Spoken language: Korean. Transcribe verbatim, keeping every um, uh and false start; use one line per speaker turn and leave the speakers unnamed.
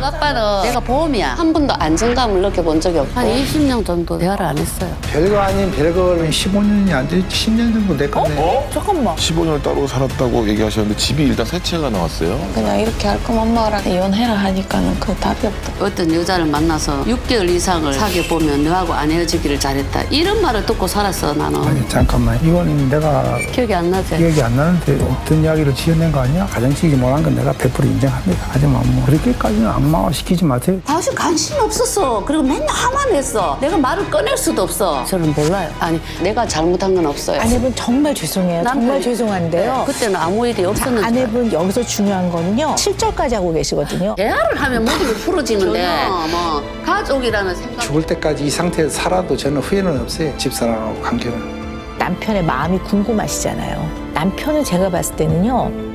아빠는 내가 보험이야. 한 번도 안정감을 느껴본 적이 없고 한 이십 년 정도 대화를 안 했어요.
별거 아닌 별거는 십오 년이 안 돼, 십 년 정도 됐거든요.
어?
잠깐만.
십오 년을 따로 살았다고 얘기하셨는데 집이 일단 세 채가 나왔어요.
그냥 이렇게 할 거면 엄마랑 이혼해라 하니까는 그 답이 없다.
어떤 여자를 만나서 육 개월 이상을 사귀어 보면 너하고 안 헤어지기를 잘했다. 이런 말을 듣고 살았어 나는.
아니, 잠깐만. 이건 내가
기억이 안 나지?
기억이 안 나는데 어떤 이야기를 지어낸 거 아니야? 가정식이 못한 건 내가 백 퍼센트 인정합니다. 하지만 뭐 그렇게까지는 악마화시키지 마세요.
당신 관심이 없었어. 그리고 맨날 화만 했어. 내가 말을 꺼낼 수도 없어. 저는 몰라요. 아니 내가 잘못한 건 없어요.
아내분 정말 죄송해요. 정말
남편이-
죄송한데요.
네, 그때는 아무 일이 없었는데.
아내분 여기서 중요한 거는요. 칠 절까지 하고 계시거든요.
대화를 하면 모든 게 풀어지는데 뭐 가족이라는 생각.
죽을 때까지 이 상태에서 살아도 저는 후회는 없어요. 집사람하고 관계는.
남편의 마음이 궁금하시잖아요. 남편은 제가 봤을 때는요.